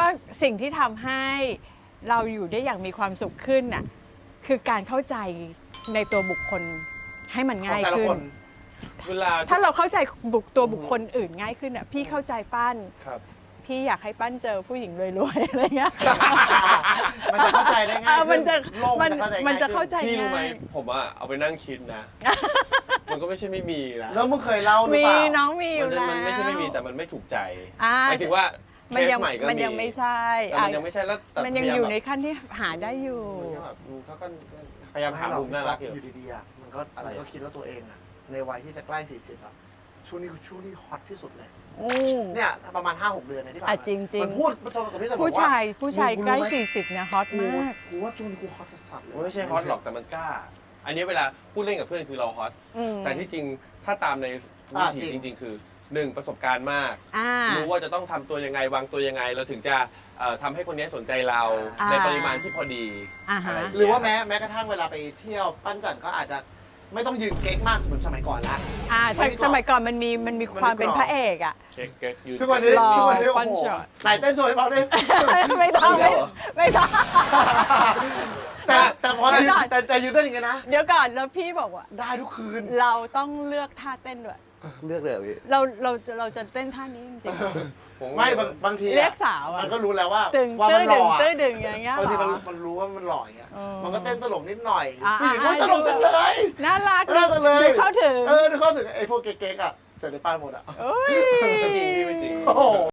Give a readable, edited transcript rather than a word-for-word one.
สิ่งที่ทำให้เราอยู่ได้อย่างมีความสุขขึ้นน่ะคือการเข้าใจในตัวบุคคลให้มันง่ายขึ้นเวลาถ้าเราเข้าใจตัวบุคคลอื่นง่ายขึ้นอ่ะพี่เข้าใจปั้นพี่อยากให้ปั้นเจอผู้หญิงรวยๆอะไรเงี้ยมันจะเข้าใจได้ง่ายมันจะมันจะเข้าใจพี่รู้ไหมง่ายผมอะเอาไปนั่งคิดนะ มันก็ไม่ใช่ไม่มีนะแล้วมึงเคยเล่าหรือมีเปล่าน้องมีอยู่แล้วมันไม่ใช่ไม่มีแต่มันไม่ถูกใจหหมายถึงว่าเคสใหม่ก็มีมันยังไม่ใช่มันยังไม่ใช่แล้วมันยังอยู่ในขั้นที่หาได้อยู่เขาก็พยายามหามุมน่ารักอยู่ดีๆอ่ะมันก็คิดว่าตัวเองอ่ะในวัยที่จะใกล้40อ่ะช่วงนี้คือช่วงที่ฮอตที่สุดเลยเนี่ยประมาณ 5-6 เดือนในที่ผ่านมาจริงมันพูดประสบกับพี่สมผู้ชายใกล้40นะฮอตมากกูว่าช่วงนี้กูฮอตสัสเลยไม่ใช่ฮอตหรอกแต่มันกล้าอันนี้เวลาพูดเล่นกับเพื่อนคือเราฮอตแต่ที่จริงถ้าตามในวิถีจริงๆคือ1ประสบการณ์มากรู้ว่าจะต้องทำตัวยังไงวางตัวยังไงเราถึงจะทำให้คนนี้สนใจเราในปริมาณที่พอดีหรือว่าแม้กระทั่งเวลาไปเที่ยวปั้นจันก็อาจจะไม่ต้องยืนเก๊กมากเหมือนสมัยก่อนละสมัยก่อนมันมีความเป็นพระเอกอ่ะเก๊กยืนทุกวันนี้โอ้โหไหนเต้นโชว์ให้ฟังดิไม่ต้องแต่พอยืนแต่ยืนเต้นอย่างงี้นะเดี๋ยวก่อนแล้วพี่บอกว่าได้ทุกคืนเราต้องเลือกท่าเต้นด้วยเลือกเลยพี่เราจะเต้นท่านี้จริงๆไม่บางทีเรียกสาวมันก็รู้แล้วว่ามันหล่อตื้อดึงอย่างเงี้ยบางทีมันรู้ว่ามันหล่ออย่างเงี้ยมันก็เต้นตลกนิดหน่อยผู้หญิงก็ตลกจังเลยน่ารักเลยเข้าถึงดูเข้าถึงไอ้พวกเก๊กๆอ่ะเสร็จในป้านหมดอ่ะโอ้ยไม่จริงพี่ไม่จริง